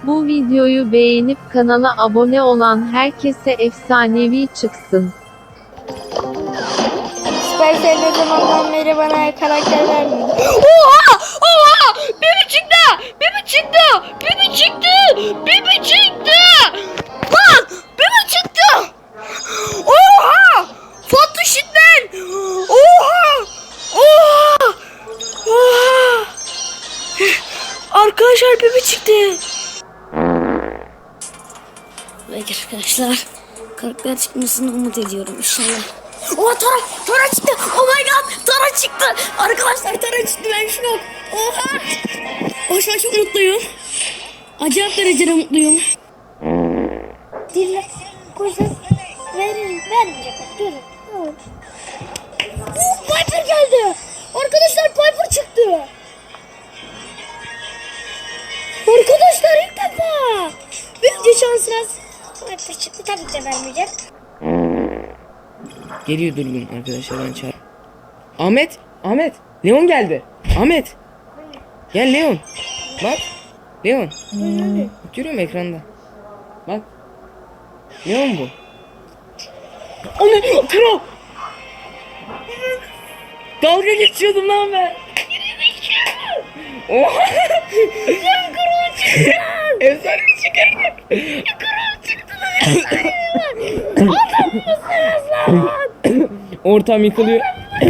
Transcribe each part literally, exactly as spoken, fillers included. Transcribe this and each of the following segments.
Bu videoyu beğenip kanala abone olan herkese efsanevi çıksın. Supercell ne zamandan beri bana karakter vermiyordu. Oha! Oha! Bibi çıktı! Bibi çıktı! Bibi çıktı! Bibi çıktı! Lan! Bibi çıktı! Oha! Fatih Şitmen! Oha! Oha! Oha! Arkadaşlar Bibi çıktı. Belki arkadaşlar karakter çıkmasını umut ediyorum inşallah. Oha Tara! Tara çıktı! Oh my god! Tara çıktı! Arkadaşlar Tara çıktı, ben şok! Oha! Oh, şu an çok mutluyum. Acayip derecede mutluyum. Dille koysak verir, vermeyecek. Durun. Durun. Uh, Piper geldi! Arkadaşlar Piper çıktı! Arkadaşlar ilk defa! Büyükçe şansınız. Piper çıktı, tabii ki de vermeyecek. Geliyor durgun arkadaşlar, ben çağır. Ahmet, Ahmet, Leon geldi. Ahmet. Gel Leon. Bak. Leon. Görüyorum ekranda. Bak. Leon bu. Ana kral. Dalga geçiyordum lan ben. Oha. Sen kral çıktı! Efsane çıkardık. Kral çıktı lan! Efsane var! Adam mısınız lan? Ortam yıkılıyor.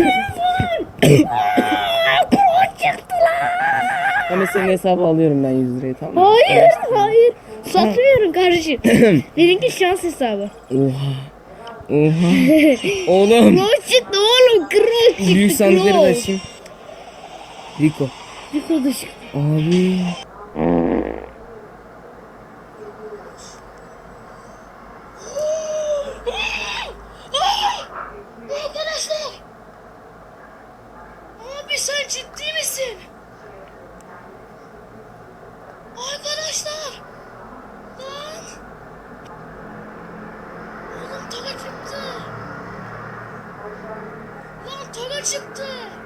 Kral çıktı lan! Ama senin hesabı alıyorum ben yüz lirayı, tamam mı? Hayır, hayır. Satmıyorum kardeşim. Benimki şans hesabı. Oha. Oha. Oğlum. Kral çıktı oğlum, kral çıktı. Büyük sandıkları da kral. açayım. Rico. Bir kodu çıktı. Abi. Arkadaşlar. Abi sen ciddi misin? Arkadaşlar. Lan. Oğlum tava çıktı. Lan tava çıktı.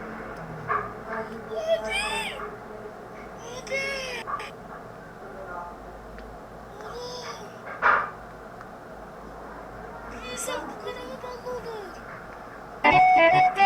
Abi. Abi. Oğlum. Bir insan bu kadar mı ballı olur?